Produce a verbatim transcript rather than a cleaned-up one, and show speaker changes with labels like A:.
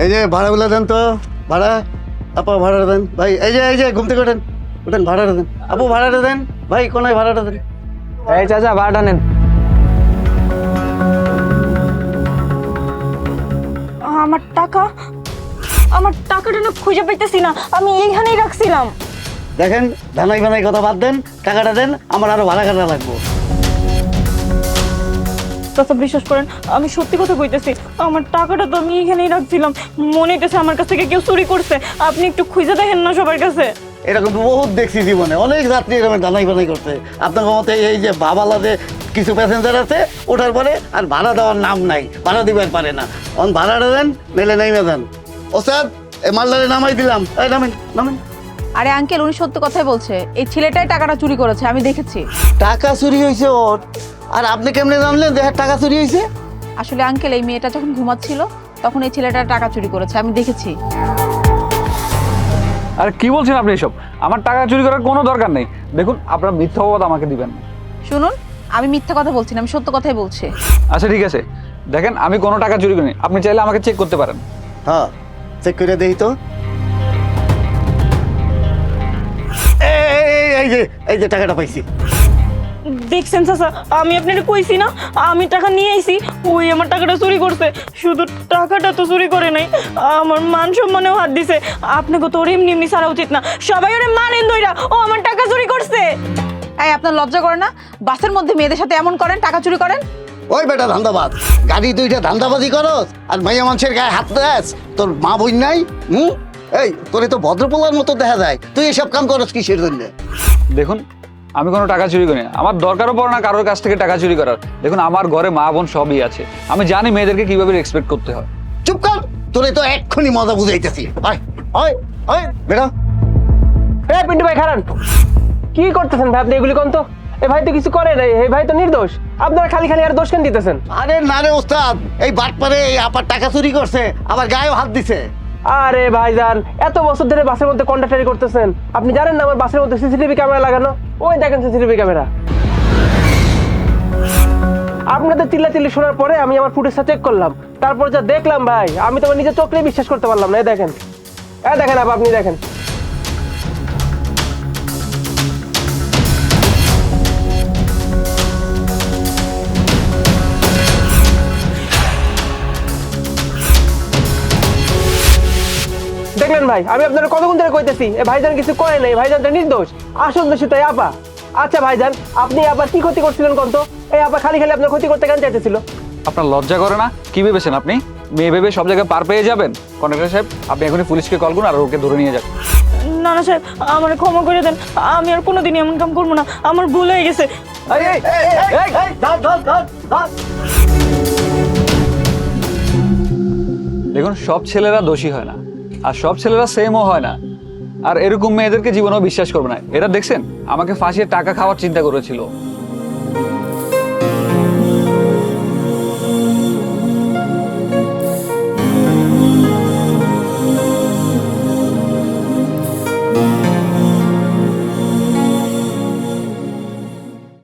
A: এই যে ভাড়াগুলো দেন তো, ভাড়া। আপা ভাড়াটা দেন ভাই। এই যে এই যে ঘুম থেকে ওঠেন, ওঠেন, ভাড়াটা দেন। আপু ভাড়াটা দেন ভাই, কোনায় ভাড়াটা দেন।
B: এই চাচা ভাড়াটা নেন।
C: আমার টাকা, আমার টাকাটা না খুঁজে পাইতেছি না, আমি এইখানেই রাখছিলাম।
A: দেখেন, ধানাই বানাই কথা বাদ দেন, টাকাটা দেন, আমার আরো ভাড়া কাটা লাগবো।
C: চাচা বিশ্বাস করেন, আমি সত্যি কথা কইতেছি, আমার টাকাটা তো আমি এখানেই রাখছিলাম। মনে হইতেছে আমার কাছ থেকে কেউ চুরি করছে। আপনি একটু খুঁজে দেখেন না সবার কাছে।
A: এরকম তো বহুত দেখছি জীবনে, অনেক যাত্রী এরকম ধানাই বানাই করছে। আপনার মতে এই যে বাবালাতে কিছু প্যাসেঞ্জার আছে, ওঠার পরে আর ভাড়া দেওয়ার নাম নাই, ভাড়া দিবার পারে না। অন ভাড়াটা দেন, মেলে নাইমে দেন। ও স্যার, এই মালদারে নামাই দিলাম, এই নামেন নামেন।
D: আরে আঙ্কেল, উনি সত্য কথাই বলছে, এই ছেলেটাই টাকাটা চুরি করেছে, আমি দেখেছি।
A: টাকা চুরি হয়েছে ওর, আর আপনি কেমনে জানলেন যে টাকা চুরি হয়েছে?
D: আসলে আঙ্কেল, এই মেয়েটা যখন ঘুমাচ্ছিল তখন এই ছেলেটা টাকা চুরি করেছে, আমি দেখেছি।
B: আরে কি বলছেন আপনি এসব? আমার টাকা চুরি করার কোনো দরকার নেই। দেখুন, আপনার মিথ্যা অপবাদ আমাকে দিবেন না।
D: শুনুন, আমি মিথ্যা কথা বলছি না, আমি সত্য কথাই বলছি।
B: আচ্ছা ঠিক আছে, দেখেন আমি কোনো টাকা চুরি করিনি। আপনি চাইলে আমাকে চেক করতে পারেন।
A: হ্যাঁ, চেক করে দেখি তো। এই, এই, এই যে এই যে টাকাটা পাইছি।
C: দেখছেন চাচা, আমি আপনাকে কইছি না আমি টাকা নিয়ে আইছি, ওই আমার টাকাটা চুরি করছে। শুধু টাকাটা তো চুরি করে নাই, আমার মান সম্মানেও হাত দিছে। আপনাকে তো ওর এমনি এমনি ছাড়া উচিত না, সবাই ওরে মানেন দইরা, ও আমার টাকা চুরি করছে।
D: এই, আপনার লজ্জা করে না? বাসের মধ্যে মেয়েদের সাথে এমন করেন, টাকা চুরি করেন?
A: ওই বেটা ধান্দাবাজ, গাড়ি দুইটা ধান্দাবাজি করস আর মাইয়া মানুষের গায়ে হাত দেস। তোর মা বোন নাই? হুম, এই তোরে তো ভদ্রপোলার মতো দেখা যায়, তুই এসব কাম করস কিসের জন্য?
B: দেখুন, আমি কোনো টাকা চুরি করি না। আমার দরকারও পড়ে না কারোর কাছ থেকে টাকা চুরি করার। দেখুন, আমার ঘরে মা বোন সবই আছে, আমি জানি মেয়েদেরকে কিভাবে রেসপেক্ট করতে হয়।
A: চুপ কর, তোরে তো এক্ষুনি মজা বুঝাইতেছি। ওই ওই ওই বেটা।
E: এ পিন্টু ভাই খারান, কি করতেছেন ভাই আপনি? এগুলি কোন তো, এ ভাই তো কিছু করে নাই, এই ভাই তো নির্দোষ। আপনারা খালি খালি আর দোষ কেন দিতেছেন?
A: আরে না রে ওস্তাদ, এই বাটপারে এই আপার টাকা চুরি করছে, আবার গায়েও হাত দিছে।
E: আরে ভাইজান, এত বছর ধরে বাসের মধ্যে কন্ডাক্টারি করতেছেন, আপনি জানেন না আমার বাসের মধ্যে সিসিটিভি ক্যামেরা লাগানো? ওই দেখেন সিসিটিভি ক্যামেরা। আপনাদের চিল্লাচিল্লি শোনার পরে আমি আমার ফুটেজটা চেক করলাম, তারপর যা দেখলাম ভাই, আমি তো আমার নিজের চোখেই বিশ্বাস করতে পারলাম না। এই দেখেন, এই দেখেন আপা, আপনি দেখেন। দেখলেন ভাই, আমি আপনারা কতক্ষণ ধরে কইতেছি এ ভাইজান কিছু করে নাই, ভাইজানটা নির্দোষ, আসল দোষী তাই আপা। আচ্ছা ভাইজান, আপনি আবার কি ক্ষতি করছিলেন কোন তো? এই আপা খালি খালি আপনার ক্ষতি করতে কেন চাইতেছিল?
B: আপনার লজ্জা করে না? কি ভেবেছেন আপনি? মেয়ে ভেবে সব জায়গায় পার পেয়ে যাবেন? কন্ডাক্টর সাহেব, আপনি এখনই পুলিশকে কল করুন আর ওকে ধরে নিয়ে যান।
C: না না সাহেব, আমার ক্ষমা করে দেন, আমি আর কোনোদিন এমন কাম করবো না, আমার ভুল হয়ে গেছে।
B: এই, এই, এই, এই,
A: ধর, ধর, ধর, ধর।
B: দেখুন, সব ছেলেরা দোষী হয় না, আর সব ছেলেরা সেমও হয় না। আর এরকম মেয়েদেরকে জীবনেও বিশ্বাস করবে না। এরা দেখছেন আমাকে ফাঁসিয়ে টাকা খাওয়ার চিন্তা করেছিল,